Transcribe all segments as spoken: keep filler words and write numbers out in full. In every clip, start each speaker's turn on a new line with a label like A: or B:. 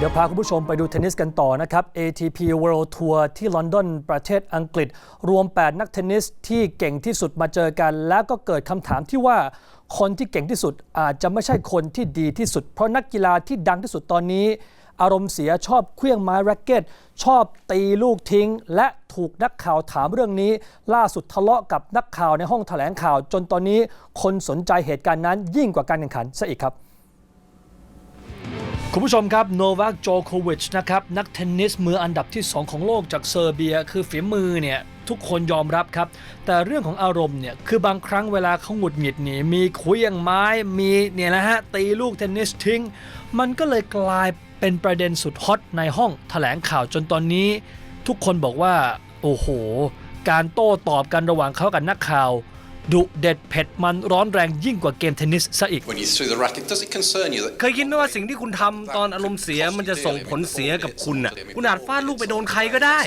A: ดี๋ยวพาคุณผู้ชมไปดูเทนนิสกันต่อนะครับ เอ ที พี World Tour ที่ลอนดอนประเทศอังกฤษรวมแปดนักเทนนิสที่เก่งที่สุดมาเจอกันแล้วก็เกิดคำถามที่ว่าคนที่เก่งที่สุดอาจจะไม่ใช่คนที่ดีที่สุดเพราะนักกีฬาที่ดังที่สุดตอนนี้อารมณ์เสียชอบเคลื่องไม้แร็กเก็ตชอบตีลูกทิ้งและถูกนักข่าวถามเรื่องนี้ล่าสุดทะเลาะกับนักข่าวในห้องแถลงข่าวจนตอนนี้คนสนใจเหตุการณ์นั้นยิ่งกว่าการแข่งขันซะอีกครับคุณผู้ชมครับโนวัค โจโควิชนะครับนักเทนนิสมืออันดับที่สองของโลกจากเซอร์เบียคือฝีมือเนี่ยทุกคนยอมรับครับแต่เรื่องของอารมณ์เนี่ยคือบางครั้งเวลาเขาหงุดหงิดนี่มีเคลื่องไม้มีเนี่ยนะฮะตีลูกเทนนิสทิ้งมันก็เลยกลายเป็นประเด็นสุดฮอตในห้องแถลงข่าวจนตอนนี้ทุกคนบอกว่าโอ้โหการโต้ตอบกันระหว่างเขากับนักข่าวดุเด็ดเผ็ดมันร้อนแรงยิ่งกว่าเกมเทนนิสซะอีก
B: เคยคิดไหมว่าสิ่งที่คุณทำตอนอารมณ์เสียมันจะส่งผลเสียกับคุณน่ะคุณอาจฟาดลูกไปโดนใครก็ได้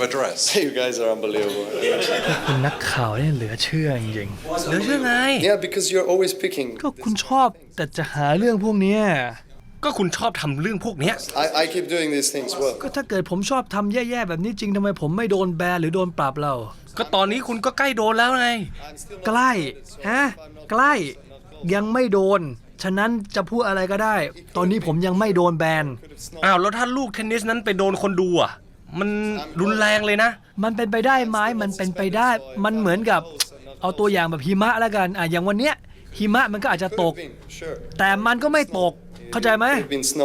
A: คุณนักข่าวนี่เหลือเชื่อจริงๆ
B: เหลือเชื่อไง
C: Yeah, because you're always picking.
A: ก็คุณชอบแต่จะหาเรื่องพวกนี้
B: ก็คุณชอบทำเรื่องพวกเนี้ย
C: I, I keep doing these things well.
A: ก็ถ้าเกิดผมชอบทำแย่ๆแบบนี้จริงทำไมผมไม่โดนแบนหรือโดนปรับเรา
B: ก็ตอนนี้คุณก็ใกล้โดนแล้วไง
A: ใกล้ฮะใกล้ยังไม่โดนฉะนั้นจะพูดอะไรก็ได้ตอนนี้ผมยังไม่โดนแบน
B: อ้าวแล้วถ้าลูกเทนนิสนั้นไปโดนคนดูอ่ะมันรุนแรงเลยนะ
A: มันเป็นไปได้ไหมมันเป็นไปได้มันเหมือนกับเอาตัวอย่างแบบหิมะแล้วกันอ่ะอย่างวันเนี้ยหิมะมันก็อาจจะตกแต่มันก็ไม่ตกเข้าใจไหม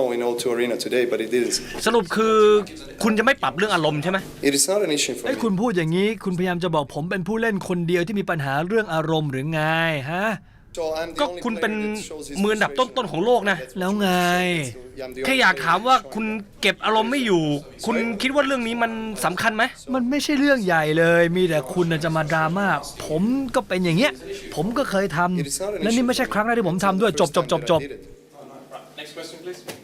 B: สรุปคือคุณจะไม่ปรับเรื่องอารมณ์ใช่ไหม
A: ไอ้คุณพูดอย่างนี้คุณพยายามจะบอกผมเป็นผู้เล่นคนเดียวที่มีปัญหาเรื่องอารมณ์หรือไงฮะ
B: ก็คุณเป็นมืออันดับต้นๆของโลกนะ
A: แล้วไง
B: แค่อยากถามว่าคุณเก็บอารมณ์ไม่อยู่คุณคิดว่าเรื่องนี้มันสำคัญไหม
A: มันไม่ใช่เรื่องใหญ่เลยมีแต่คุณจะมาดราม่าผมก็เป็นอย่างเงี้ยผมก็เคยทำและนี่ไม่ใช่ครั้งแรกที่ผมทำด้วยจบจบจบจบ
D: Next question, please.